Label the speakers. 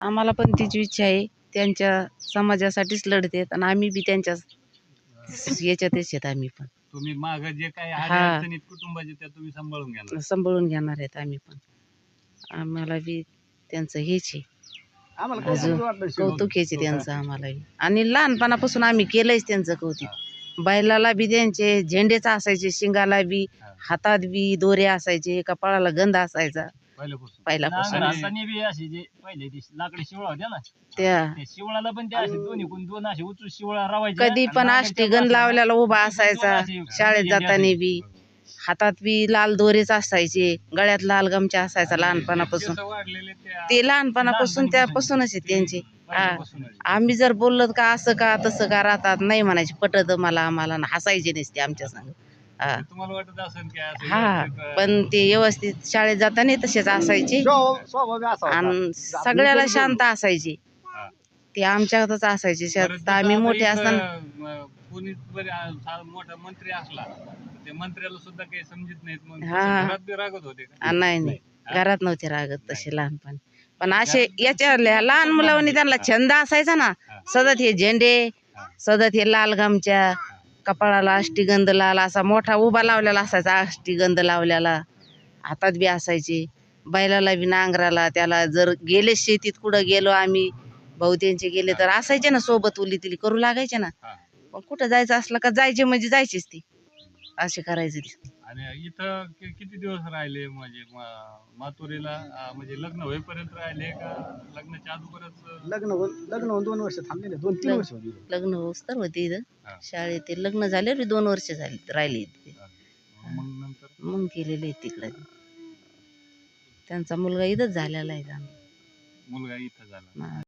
Speaker 1: आम्हाला पण तीच इच्छा आहे, त्यांच्या समाजासाठीच लढतेत आणि आम्ही बी त्यांच्या याच्यातच आहेत आम्ही पण.
Speaker 2: तुम्ही माग जे काही
Speaker 1: हा.
Speaker 2: अडचणीत कुटुंबाचे त्या तुम्ही सांभाळून घेणार.
Speaker 1: सांभाळून घेणार आहेत आम्ही पण. आम्हाला बी त्यांचं हेच आहे, अजून कौतुक आहे त्यांचं आम्हाला बी. आणि लहानपणापासून आम्ही केलंयच त्यांचं कौतुक. बैलाला बी त्यांचे झेंडेच असायचे, शिंगाला बी, हातात बी दोरे असायचे, कपाळाला गंध असायचा पहिल्यापासून.
Speaker 3: नांगराने बी अशी जे पहिले ती लाकडी शिवळा होत्या ना,
Speaker 1: त्या
Speaker 3: त्या शिवळाला पण त्या अशी दोन्हीकडून दोन अशी उचून शिवळा रावायच्या.
Speaker 1: कधी पण अष्टीगंध लावल्याला उभा असायचा. शाळेत जाताना बी हातात बी लाल दोरेच असायचे, गळ्यात लाल गमछा असायचा लहानपणापासून. ते लहानपणापासून त्यापासूनच आहे त्यांचे. आम्ही जर बोललो का असं का तसं का राहतात, नाही म्हणायचे, पटत मला आम्हाला, हसायचे नसते आमच्या संग.
Speaker 2: तुम्हाला वाटत असेल की असं
Speaker 1: हा, पण ते व्यवस्थित शाळेत जाताना तसेच असायचे आणि सगळ्याला शांत असायचे. ते आमच्यातच असायचे. आम्ही मोठे असताना
Speaker 2: कोणी मोठा मंत्री असला ते मंत्र्याला सुद्धा काही समजत नाहीत. मग
Speaker 1: हा.
Speaker 2: घरात बी रागत होते का?
Speaker 1: नाही, घरात नव्हते रागत तसे लहानपणी. पण असे याच्या लहान मुलांनी त्यांना छंद असायचा ना, सतत हे झेंडे, सतत हे लाल गमछा, कपाळाला अष्टीगंध लाल असा मोठा उभा लावलेला असायचा, अष्टीगंध लावलेला हातात बी असायचे. बैलाला बी नांगराला त्याला जर गेले शेतीत कुठं गेलो आम्ही, भाऊ त्यांचे गेले तर असायचे ना सोबत, उली तिली करू लागायचे ना. पण कुठं जायचं असलं का जायचे म्हणजे जायचेच ती, असे करायचे ते.
Speaker 2: आणि इथं किती दिवस राहिले म्हणजे मातुरीला, म्हणजे लग्न होईपर्यंत राहिले का लग्नाच्या अगोदरच?
Speaker 4: लग्न होऊन 2 वर्ष थांबलेले, 2-3 वर्ष होती.
Speaker 1: लग्न होस तर होते इथं शाळेत. ते लग्न झाले 2 वर्ष झाले राहिले इथे.
Speaker 2: मग नंतर
Speaker 1: मग गेलेले तिकडे. त्यांचा मुलगा इथंच झालेला आहे.
Speaker 2: मुलगा इथं झाला.